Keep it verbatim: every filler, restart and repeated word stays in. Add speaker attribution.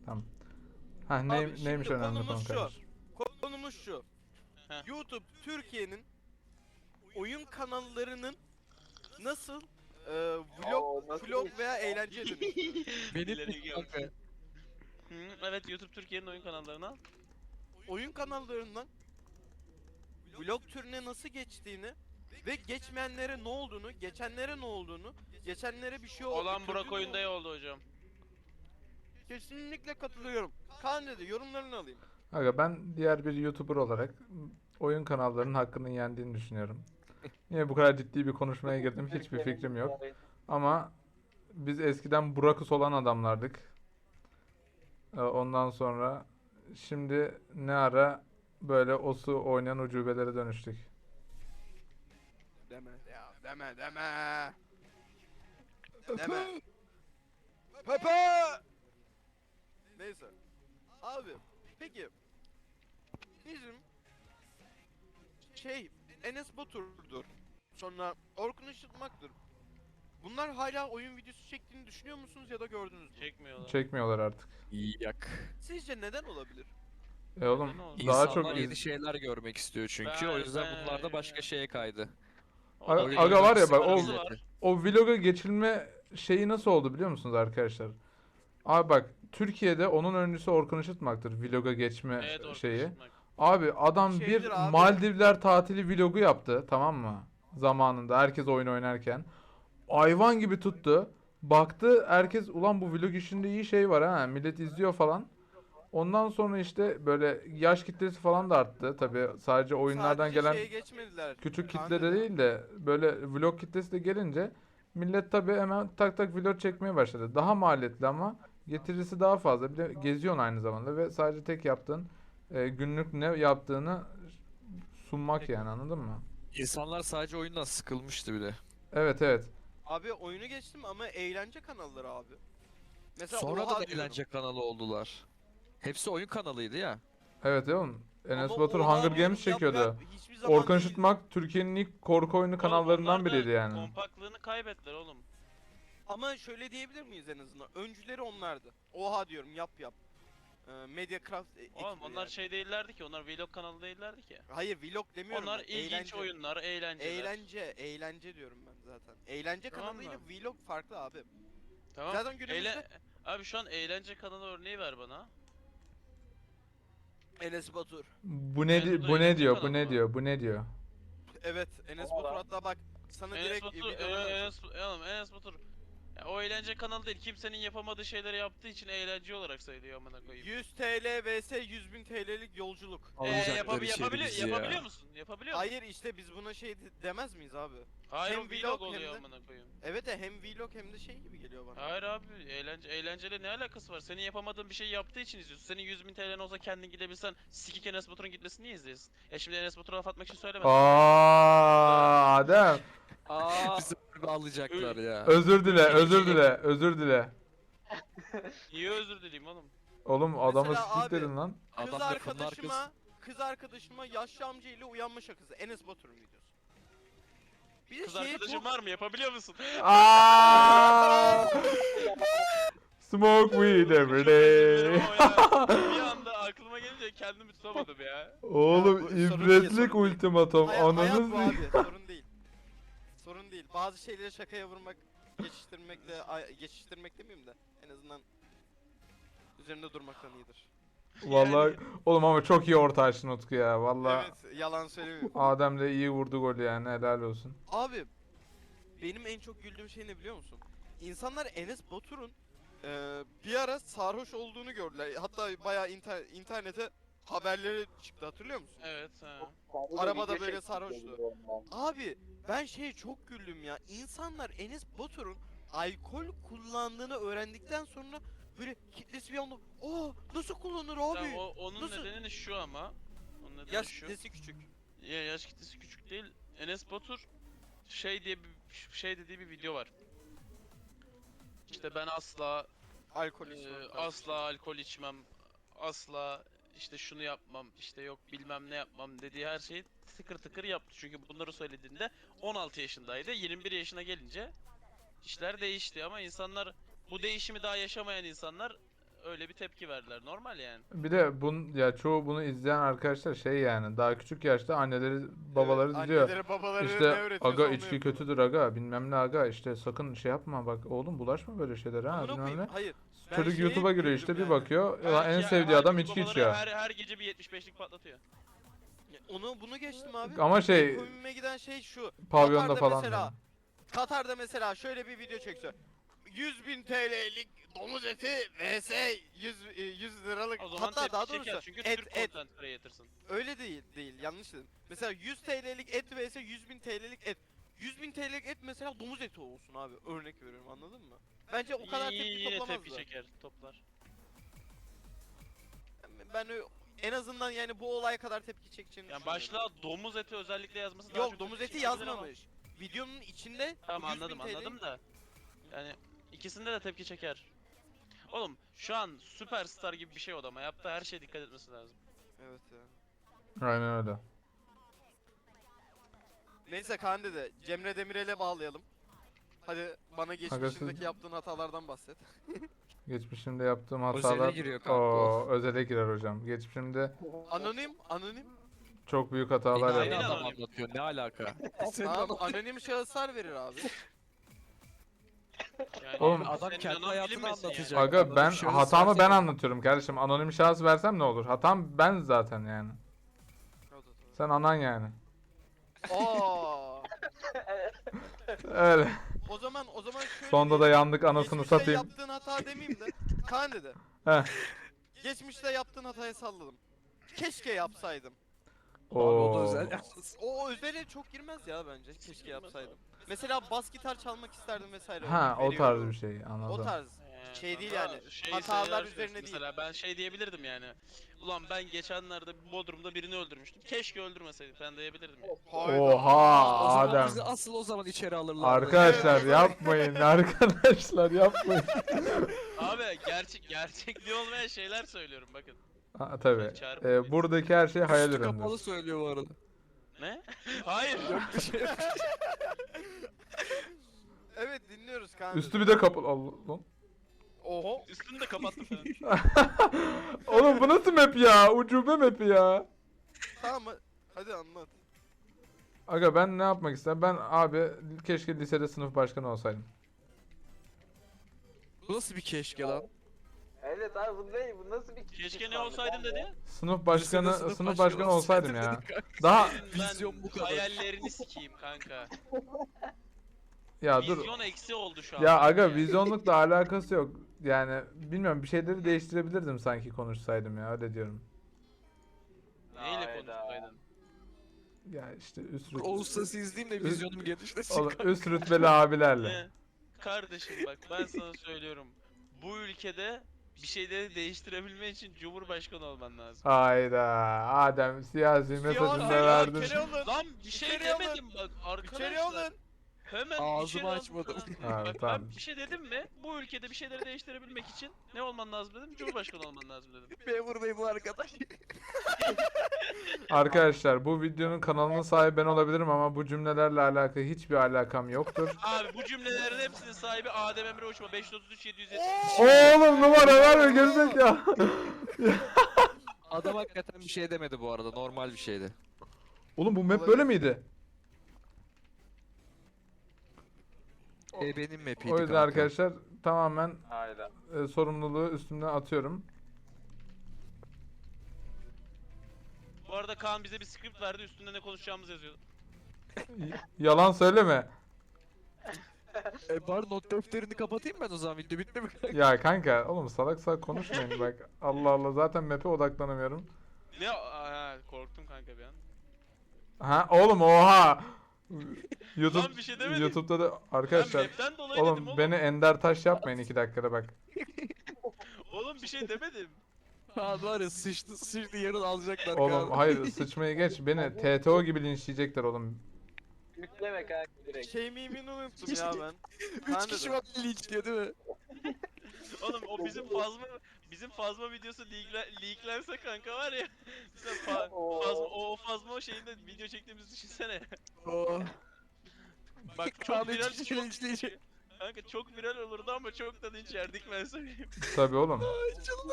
Speaker 1: Tamam. Ha
Speaker 2: Abi
Speaker 1: ney,
Speaker 2: şimdi
Speaker 1: neymiş önemli konu
Speaker 2: konumuz şu.
Speaker 1: kardeş?
Speaker 2: Konumuz şu.
Speaker 3: Heh.
Speaker 2: YouTube Türkiye'nin oyun kanallarının nasıl e, vlog, vlog veya eğlence dönüştüğü.
Speaker 4: Benim
Speaker 3: İleri
Speaker 4: bir
Speaker 3: gel.
Speaker 4: kanka.
Speaker 3: Hı, evet, YouTube Türkiye'nin oyun kanallarına.
Speaker 2: Oyun kanallarından vlog türüne nasıl geçtiğini ve geçmeyenlere ne olduğunu, geçenlere ne olduğunu, geçenlere bir şey oldu.
Speaker 3: Olan
Speaker 2: kötü
Speaker 3: Burak
Speaker 2: mü
Speaker 3: oyunda
Speaker 2: oldu?
Speaker 3: oldu hocam.
Speaker 2: Kesinlikle katılıyorum. Kaan dedi, yorumlarını alayım.
Speaker 1: Aga ben diğer bir YouTuber olarak oyun kanallarının hakkının yendiğini düşünüyorum. Niye bu kadar ciddi bir konuşmaya girdim hiçbir fikrim yok. Ama biz eskiden Burakus olan adamlardık. Ee, Ondan sonra şimdi ne ara böyle osu oynayan ucubelere dönüştük.
Speaker 2: Deme ya, deme deme. Deme. Pepe! Neyse. Abi, peki bizim şey Enes Batur'dur. Sonra Orkun Işıtmak'tır. Bunlar hala oyun videosu çektiğini düşünüyor musunuz ya da gördünüz mü?
Speaker 3: Çekmiyorlar.
Speaker 1: Çekmiyorlar artık.
Speaker 4: Yak.
Speaker 2: Sizce neden olabilir?
Speaker 1: E oğlum
Speaker 3: Neden oldu?
Speaker 1: daha
Speaker 4: İnsanlar
Speaker 1: çok
Speaker 4: yeni
Speaker 1: iz-
Speaker 4: şeyler görmek istiyor çünkü.
Speaker 3: Ben-
Speaker 4: o yüzden
Speaker 3: ben-
Speaker 4: bunlar da başka şeye kaydı.
Speaker 3: O da
Speaker 1: Aga-
Speaker 3: bir-
Speaker 1: aga var ya bak,
Speaker 3: Parası
Speaker 1: o-
Speaker 3: var.
Speaker 1: o vloga geçilme şeyi nasıl oldu biliyor musunuz arkadaşlar? Abi bak Türkiye'de onun öncüsü Orkun Işıtmak'tır vloga geçme
Speaker 3: Evet, Orkun
Speaker 1: şeyi.
Speaker 3: Işıtmak.
Speaker 1: Abi adam
Speaker 2: Şeydir
Speaker 1: bir
Speaker 2: abi.
Speaker 1: Maldivler tatili vlogu yaptı, tamam mı? Zamanında herkes oyun oynarken. Hayvan gibi tuttu. Baktı herkes ulan bu vlog işinde iyi şey var ha. Millet izliyor falan. Ondan sonra işte böyle yaş kitlesi falan da arttı. Tabii sadece oyunlardan
Speaker 2: Sadece
Speaker 1: gelen
Speaker 2: şeye geçmediler.
Speaker 1: küçük
Speaker 2: Kaan
Speaker 1: kitle de
Speaker 2: dedi.
Speaker 1: değil de böyle vlog kitlesi de gelince millet tabii hemen tak tak vlog çekmeye başladı. Daha maliyetli ama getirisi daha fazla. Bir de geziyorsun aynı zamanda ve sadece tek yaptığın e, günlük ne yaptığını sunmak yani, anladın mı?
Speaker 4: İnsanlar sadece oyundan sıkılmıştı bile.
Speaker 1: Evet evet.
Speaker 2: Abi oyunu geçtim ama eğlence kanalları abi. Mesela
Speaker 4: Sonra
Speaker 2: Oha
Speaker 4: da
Speaker 2: diyorum.
Speaker 4: eğlence kanalı oldular. Hepsi oyun kanalıydı ya.
Speaker 1: Evet oğlum. Enes
Speaker 2: Ama
Speaker 1: Batur
Speaker 2: Oha
Speaker 1: Hunger
Speaker 2: diyorum,
Speaker 1: Games
Speaker 2: yap
Speaker 1: çekiyordu.
Speaker 2: yap, hiçbir zaman
Speaker 1: Orkun
Speaker 2: değil.
Speaker 1: Işıtmak Türkiye'nin ilk korku oyunu kanallarından
Speaker 3: Oğlum onlar da
Speaker 1: biriydi yani.
Speaker 3: Kompaklığını kaybettiler oğlum.
Speaker 2: Ama şöyle diyebilir miyiz en azından? Öncüleri onlardı. Oha diyorum, yap yap. Ee, Mediacraft e-
Speaker 3: Oğlum
Speaker 2: ekibi
Speaker 3: onlar
Speaker 2: yani.
Speaker 3: şey değillerdi ki, onlar vlog kanalı değillerdi ki.
Speaker 2: Hayır, vlog demiyorum
Speaker 3: Onlar
Speaker 2: ben.
Speaker 3: ilginç
Speaker 2: eğlence.
Speaker 3: oyunlar, eğlenceler.
Speaker 2: Eğlence, eğlence diyorum ben zaten. Eğlence
Speaker 3: Tamam
Speaker 2: kanalıyla
Speaker 3: mı?
Speaker 2: vlog farklı abi.
Speaker 3: Tamam.
Speaker 2: Zaten günümüzde-
Speaker 3: Eğle- Abi şu an eğlence kanalı örneği ver bana.
Speaker 2: Enes Batur.
Speaker 1: Bu ne
Speaker 3: Enes
Speaker 1: di-
Speaker 3: Batur
Speaker 1: bu ne
Speaker 3: eğlence
Speaker 1: diyor? Bu
Speaker 3: kanalı
Speaker 1: ne
Speaker 3: mı?
Speaker 1: diyor? Bu ne diyor?
Speaker 2: Evet, Enes Batur hatta bak sana
Speaker 3: Enes
Speaker 2: direkt
Speaker 3: Batur,
Speaker 2: videolarını
Speaker 3: e,
Speaker 2: açayım.
Speaker 3: Enes, oğlum Enes Batur. Ya, o eğlence kanalı değil, kimsenin yapamadığı şeyleri yaptığı için eğlence olarak sayılıyor amına koyayım.
Speaker 2: yüz TL vs yüz bin T L'lik yolculuk.
Speaker 3: Ee,
Speaker 4: Alacaklar
Speaker 3: yapabi-
Speaker 4: içeri
Speaker 3: yapabiliyor,
Speaker 4: bizi ya.
Speaker 3: yapabiliyor musun? Yapabiliyor musun?
Speaker 2: Hayır işte biz buna şey de- demez miyiz abi?
Speaker 3: Hayır,
Speaker 2: hem
Speaker 3: o
Speaker 2: vlog
Speaker 3: vlog
Speaker 2: hem
Speaker 3: oluyor
Speaker 2: de-
Speaker 3: amına koyayım.
Speaker 2: Evet de hem vlog hem de şey gibi geliyor bana.
Speaker 3: Hayır abi, eğlence eğlenceyle ne alakası var? Senin yapamadığın bir şey yaptığı için izliyorsun. Senin yüz bin T L'nin olsa kendin gidebilsen sikik Enes Batur'un gitmesini niye izliyorsun? Ya şimdi Enes Batur'a laf atmak için söylemedim.
Speaker 1: Aa, Adem.
Speaker 3: Aa,
Speaker 4: Bizi böyle alacaklar ya.
Speaker 1: Özür dile, özür dile, özür dile.
Speaker 3: niye özür dileyim oğlum?
Speaker 1: Oğlum adamı
Speaker 2: Mesela
Speaker 1: sikik
Speaker 2: abi-
Speaker 1: dedin lan.
Speaker 2: Kız
Speaker 4: Adam lafının
Speaker 2: arkadaşıma,
Speaker 4: arkası.
Speaker 2: kız arkadaşıma yaşlı amca ile uyanma şakası. Enes Batur'un videosu. Bir de
Speaker 3: Kız
Speaker 2: şeye
Speaker 3: arkadaşın
Speaker 2: çok...
Speaker 3: var mı? Yapabiliyor musun?
Speaker 1: Aa! Smoke weed every
Speaker 3: Çok özür dilerim
Speaker 1: day.
Speaker 3: ama ya. Bir anda aklıma gelince kendimi tutamadım ya.
Speaker 1: Oğlum
Speaker 2: Ya bu sorun değil,
Speaker 1: ibretlik
Speaker 2: sorun değil.
Speaker 1: ultimatom.
Speaker 2: Hayat, hayat
Speaker 1: Ananız
Speaker 2: bu abi, sorun değil. Sorun değil. Bazı şeyleri şakaya vurmak, geçiştirmekle, ay- geçiştirmek demeyeyim de en azından üzerinde durmaktan iyidir.
Speaker 1: Vallahi oğlum ama çok iyi orta açtın Utku ya. Vallahi
Speaker 2: Evet, yalan söylemiyorum.
Speaker 1: Adem de iyi vurdu golü yani, helal olsun.
Speaker 2: Abi, benim en çok güldüğüm şey ne biliyor musun? İnsanlar Enes Batur'un eee, bir ara sarhoş olduğunu gördüler. Hatta bayağı inter- internete haberleri çıktı, hatırlıyor musun?
Speaker 3: Evet, ha.
Speaker 2: Arabada böyle sarhoştu. Abi ben şeye çok güldüm ya. İnsanlar Enes Batur'un alkol kullandığını öğrendikten sonra böyle kitlesi bir anda aa nasıl kullanır abi?
Speaker 3: Tamam, o, onun
Speaker 2: nasıl?
Speaker 3: nedeni şu ama. Onun nedeni
Speaker 2: Yaş
Speaker 3: şu.
Speaker 2: kitlesi küçük.
Speaker 3: Ya yaş kitlesi küçük değil. Enes Batur şey diye bir şey dediği bir video var. İşte ben asla
Speaker 2: Alkol
Speaker 3: e,
Speaker 2: içmem.
Speaker 3: asla alkol içmem. Asla işte şunu yapmam. İşte yok bilmem ne yapmam dediği her şeyi tıkır tıkır yaptı. Çünkü bunları söylediğinde on altı yaşındaydı. yirmi bir yaşına gelince işler değişti ama insanlar, bu değişimi daha yaşamayan insanlar öyle bir tepki verdiler. Normal yani.
Speaker 1: Bir de bun ya çoğu bunu izleyen arkadaşlar şey yani daha küçük yaşta anneleri babaları
Speaker 2: Evet,
Speaker 1: diyor.
Speaker 2: Anneleri babaları ne
Speaker 1: İşte
Speaker 2: öğretiyorsa
Speaker 1: aga
Speaker 2: onu
Speaker 1: içki
Speaker 2: yapıyorlar.
Speaker 1: kötüdür aga bilmem ne aga işte sakın şey yapma bak oğlum bulaşma böyle şeylere ha
Speaker 2: Amına
Speaker 1: bilmem
Speaker 2: koyayım,
Speaker 1: ne.
Speaker 2: hayır. Ben
Speaker 1: Çocuk
Speaker 2: şeye
Speaker 1: YouTube'a
Speaker 2: hep
Speaker 1: giriyor
Speaker 2: güldüm
Speaker 1: işte bir
Speaker 2: yani.
Speaker 1: bakıyor
Speaker 3: Her
Speaker 1: ulan en
Speaker 3: iki-
Speaker 1: sevdiği adam
Speaker 3: herkes
Speaker 1: içki
Speaker 3: babaları
Speaker 1: içiyor.
Speaker 3: Her, her gece bir yetmiş beşlik patlatıyor.
Speaker 2: Ya Onu bunu geçtim abi.
Speaker 1: Ama
Speaker 2: En
Speaker 1: şey
Speaker 2: komiğime giden şey şu.
Speaker 1: pavyonda
Speaker 2: Katar'da
Speaker 1: falan
Speaker 2: mesela,
Speaker 1: diyorum.
Speaker 2: Katar'da mesela şöyle bir video çekse. yüz bin T L'lik domuz eti vs yüz, e, yüz liralık,
Speaker 3: O zaman
Speaker 2: hatta
Speaker 3: tepki
Speaker 2: daha
Speaker 3: çeker
Speaker 2: doğrusu
Speaker 3: çünkü
Speaker 2: et
Speaker 3: Türk
Speaker 2: et
Speaker 3: content creator'sın.
Speaker 2: öyle değil değil yanlış dedim. Mesela yüz T L'lik et vs yüz bin T L'lik et. yüz bin T L'lik et mesela domuz eti olsun abi, örnek veriyorum, anladın mı? Bence o kadar
Speaker 3: Y-
Speaker 2: tepki
Speaker 3: Yine
Speaker 2: toplamazdı.
Speaker 3: tepki çeker, toplar.
Speaker 2: Ben ö- en azından yani bu olay kadar tepki çekeceğini
Speaker 3: Yani
Speaker 2: düşünmüyorum.
Speaker 3: başlığa domuz eti özellikle yazması daha
Speaker 2: Yok,
Speaker 3: çok
Speaker 2: domuz
Speaker 3: tepki
Speaker 2: eti
Speaker 3: çekebilir ama-
Speaker 2: yazmamış. Videonun içinde
Speaker 3: Tamam
Speaker 2: yüz bin
Speaker 3: anladım
Speaker 2: T L
Speaker 3: anladım da. Yani ikisinde de tepki çeker. Oğlum şu an süperstar gibi bir şey odama yaptığı her şeye dikkat etmesi lazım.
Speaker 2: Evet ya.
Speaker 1: Aynen öyle.
Speaker 2: Neyse Kaan dede, Cemre Demirel'e bağlayalım. Hadi bana geçmişindeki
Speaker 1: siz-
Speaker 2: yaptığın hatalardan bahset.
Speaker 1: Geçmişimde yaptığım
Speaker 4: Özele
Speaker 1: hatalar
Speaker 4: giriyor kanka
Speaker 1: o özele girer hocam. Geçmişimde
Speaker 2: Anonim, anonim.
Speaker 1: çok büyük hatalar
Speaker 4: Yine
Speaker 3: Aynen
Speaker 4: aynı
Speaker 1: yaptım.
Speaker 4: adam
Speaker 3: anonim.
Speaker 4: anlatıyor. Ne alaka? Senin
Speaker 2: Tamam,
Speaker 4: adam-
Speaker 2: anonim şahıslar verir abi.
Speaker 3: Yani
Speaker 1: Oğlum,
Speaker 4: adam
Speaker 3: senin
Speaker 4: kendi
Speaker 3: anan
Speaker 4: hayatını
Speaker 3: bilinmesin yani.
Speaker 4: anlatacak.
Speaker 1: Aga
Speaker 4: Anonim
Speaker 1: ben
Speaker 4: şahıs
Speaker 1: hatamı
Speaker 4: varsa
Speaker 1: ben
Speaker 4: da-
Speaker 1: anlatıyorum kardeşim. Anonim şahıs versem ne olur? Hatam ben zaten yani. Sen anan yani.
Speaker 2: Oo.
Speaker 1: Öyle.
Speaker 2: O zaman o zaman şöyle
Speaker 1: Sonda da
Speaker 2: diyeyim.
Speaker 1: yandık anasını
Speaker 2: Geçmişte
Speaker 1: satayım.
Speaker 2: yaptığın hata demeyeyim de Kaan dede.
Speaker 1: Heh.
Speaker 2: Geçmişte yaptığın hatayı salladım. Keşke yapsaydım.
Speaker 4: Abi o da
Speaker 1: Oo.
Speaker 4: özel yalnız.
Speaker 2: O özele çok girmez ya bence. Keşke yapsaydım. Mesela bas gitar çalmak isterdim vesaire.
Speaker 1: Ha o tarz
Speaker 2: Veriyorum.
Speaker 1: bir şey
Speaker 2: O
Speaker 1: anladım.
Speaker 2: tarz.
Speaker 3: Ee,
Speaker 2: Şey değil
Speaker 3: kanka,
Speaker 2: yani,
Speaker 3: şey
Speaker 2: hatalar
Speaker 3: şeyler
Speaker 2: üzerine
Speaker 3: söylüyorsun
Speaker 2: değil.
Speaker 3: Mesela ben şey diyebilirdim yani. Ulan ben geçenlerde Bodrum'da birini öldürmüştüm. Keşke öldürmeseydim falan diyebilirdim yani.
Speaker 2: Hayda.
Speaker 1: Oha
Speaker 4: O zaman
Speaker 1: Adem.
Speaker 4: bizi asıl o zaman içeri alırlardı.
Speaker 1: Arkadaşlar
Speaker 2: Evet.
Speaker 1: yapmayın arkadaşlar yapmayın.
Speaker 3: Abi gerçek gerçekliği olmayan şeyler söylüyorum bakın.
Speaker 1: Ha, tabii.
Speaker 3: Çağırma
Speaker 1: Ee,
Speaker 3: beni.
Speaker 1: buradaki her şey hayal
Speaker 4: Üstü kapalı
Speaker 1: ürünüdür.
Speaker 4: söylüyor bu arada.
Speaker 3: Ne? Hayır.
Speaker 4: Yok bir şey yok.
Speaker 2: Evet, dinliyoruz Kaan
Speaker 1: Üstü
Speaker 2: dede.
Speaker 1: bir de kapalı. Allah lan.
Speaker 2: Oho.
Speaker 3: Üstünü de kapattım falan.
Speaker 1: Oğlum bu nasıl map ya? Ucube map ya.
Speaker 2: Tamam, hadi anlat.
Speaker 1: Aga ben ne yapmak istedim? Ben abi keşke lisede sınıf başkanı olsaydım.
Speaker 4: Bu nasıl bir keşke lan?
Speaker 5: Evet abi bu ne? Bu nasıl bir
Speaker 3: Keşke ne olsaydım dedi.
Speaker 1: Sınıf başkanı
Speaker 4: Lisede
Speaker 1: sınıf, başkanı olsaydım ya.
Speaker 4: dedik kanka.
Speaker 1: Daha
Speaker 3: Senin
Speaker 4: Vizyon
Speaker 3: ben
Speaker 4: bu kadar.
Speaker 3: hayallerini sikeyim kanka.
Speaker 1: ya dur.
Speaker 3: Vizyon eksi oldu şu an.
Speaker 1: Ya aga
Speaker 3: Yani.
Speaker 1: vizyonlukla alakası yok. Yani bilmiyorum bir şeyleri değiştirebilirdim sanki konuşsaydım ya öyle diyorum.
Speaker 3: Neyle
Speaker 5: Hayda.
Speaker 3: konuşsaydın?
Speaker 1: Ya işte üst
Speaker 4: Dur,
Speaker 1: rüt-
Speaker 4: Oğuz Sası izleyeyim de vizyonum genişlesin.
Speaker 1: Oğlum,
Speaker 4: kanka.
Speaker 1: üst rütbeli abilerle.
Speaker 3: Ne? Kardeşim bak ben sana söylüyorum. Bu ülkede bir şeyleri değiştirebilmen için Cumhurbaşkanı olman lazım.
Speaker 1: Hayda Adem siyasi mesajını
Speaker 2: Ya,
Speaker 1: da
Speaker 2: ya,
Speaker 1: verdin.
Speaker 2: içeri alın.
Speaker 3: Lan bir şey
Speaker 2: İçeri alın.
Speaker 3: demedim bak
Speaker 2: İçeri
Speaker 3: arkadaşlar.
Speaker 2: alın.
Speaker 3: Hemen
Speaker 4: Ağzımı
Speaker 3: içeri alın
Speaker 4: açmadım.
Speaker 3: falan.
Speaker 1: Ha,
Speaker 3: Bak
Speaker 1: tamam.
Speaker 3: ben bir şey dedim mi? Bu ülkede bir şeyleri değiştirebilmek için ne olman lazım dedim? Cumhurbaşkanı olman lazım dedim.
Speaker 4: Memur bey bu arkadaş.
Speaker 1: Arkadaşlar bu videonun kanalının sahibi ben olabilirim ama bu cümlelerle alakalı hiçbir alakam yoktur.
Speaker 3: Abi bu cümlelerin hepsinin sahibi Adem Emre Uçma beş yüz otuz üç yedi yüz yetmiş.
Speaker 1: Oğlum numara verme gerizek ya.
Speaker 4: Adam hakikaten bir şey demedi bu arada. Normal bir şeydi.
Speaker 1: Oğlum bu map böyle miydi?
Speaker 4: E benim map'iydi
Speaker 1: O yüzden
Speaker 4: kanka.
Speaker 1: arkadaşlar tamamen
Speaker 5: Hayda.
Speaker 1: e, sorumluluğu üstümden atıyorum.
Speaker 3: Bu arada Kaan bize bir script verdi üstünde ne konuşacağımız yazıyordu.
Speaker 1: Y- Yalan söyleme.
Speaker 4: E bari not defterini kapatayım ben o zaman. Video bitti mi kanka?
Speaker 1: Ya kanka oğlum salak salak konuşmayın bak. Allah Allah zaten map'e odaklanamıyorum.
Speaker 3: Ne? Aa, korktum kanka bir an.
Speaker 1: Ha oğlum oha. YouTube
Speaker 3: Lan bir şey demedim.
Speaker 1: YouTube'da da
Speaker 3: Ben
Speaker 1: arkadaşlar
Speaker 3: map'ten dolayı dedim
Speaker 1: oğlum
Speaker 3: oğlum.
Speaker 1: beni Ender Taş yapmayın iki dakikada bak.
Speaker 3: Oğlum bir şey demedim.
Speaker 4: Ha var ya sıçtı sıçtı yarın alacaklar
Speaker 1: Oğlum
Speaker 4: kanka.
Speaker 1: hayır sıçmayı geç beni T T O gibi linçleyecekler oğlum.
Speaker 5: Yükleme kanka direkt.
Speaker 2: Şey mimini unuttum ya ben.
Speaker 4: Üç
Speaker 2: Kaan
Speaker 4: kişi
Speaker 2: dede.
Speaker 4: var linç diyor değil mi?
Speaker 3: Oğlum o bizim fazma bizim fazma videosu leakler, leaklense kanka var ya. Sen fa,
Speaker 5: Oo.
Speaker 3: fazma, o fazma şeyinde video çektiğimizi düşünsene.
Speaker 4: Oo.
Speaker 3: Bak
Speaker 4: Kaan
Speaker 3: çok viral
Speaker 4: üç kişi
Speaker 3: çok,
Speaker 4: linçleyecek.
Speaker 3: Kanka çok viral olurdu ama çok da linç yerdik ben söyleyeyim.
Speaker 1: Tabii oğlum.